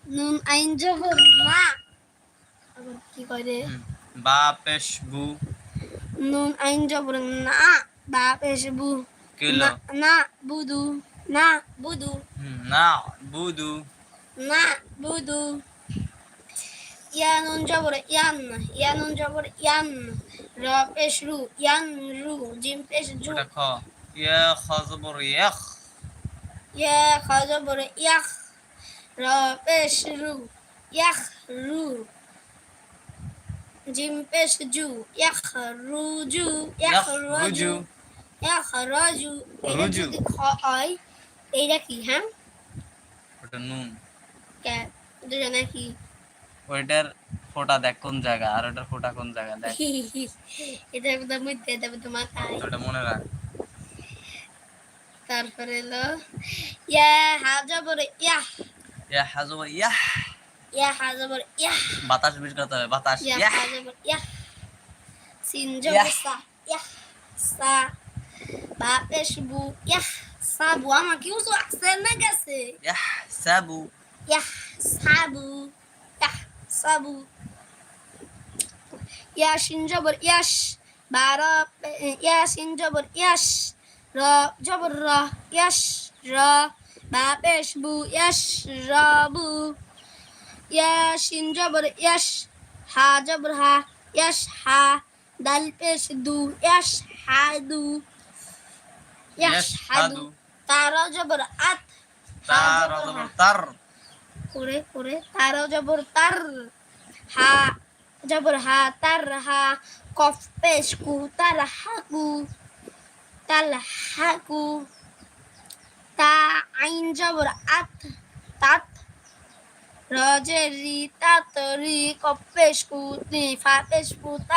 নুন আইন জবর না। আবার কি করে? বা পেশ বু। নুন আইন জবর না, বা পেশ বু। কিলো। না বুদু, না বুদু, না বুদু। না বুদু। ইয়া নুন জবর ইয়ান, ইয়া নুন জবর ইয়ান। র পেশ রু, ইয়ান রু। জিম পেশ জু। ওটা খ। ইয়া খ জবর ইয়াখ। ইয়া খ জবর ইয়াখ। র পেশ রু, ইয়াখ রু। জিম পেশ জু, ইয়াখ রুজু, ইয়াখ রজু, রুজু। ইয়াখ রজু। এটা রুজু। যদি খ হয় এইটা কি? হ্যাঁ, ওটা নুন। কে দুটো নাকি? ওইটার ফোঁটা দেখ কোন জায়গা, আর ওটার ফোঁটা কোন জায়গা দেখ। এটা একদম মধ্যে দেবে তো মাথায়। ওটা মনে রাখ। তারপরে এলো ইয়া হা জবর ইয়া, ইয়া হা জবর ইয়াহ। ইয়া হা জবর ইয়া, বাতাস বের করতে হবে, বাতাস। ইয়া ইয়াহ। হা জবর ইয়া। সিন জবর সা, ইয়া সা। বা পেশ বু, ইয়া সাবু। আমার কি উঁচু আছে না গেছে? ইয়াহ সাবু। ইয়া সাবু, ইয়া সাবু। ইয়া সিন জবর ইয়াস। বারা ইয়া সিন জবর ইয়াস। র জবর র, ইয়াস র। বা পেশ বু, ইয়াস রাবু। ইয়া সিন জবর ইয়াস। হা জবর হা, ইয়াস হা। দাল পেশ দু, ইয়াস হাদু, ইয়াস হাদু। তারা জবর আত, হা তার জবর হা। জবর তার। করে করে তারা জবর তার। হা জবর হা, তার হা। কফ পেশ কু, তার হাকু, তাল হাকু। তা আইন জবর আত, তাত। রজের রি, তাতরি। কফ পেশ কু, ফা পেশ কু।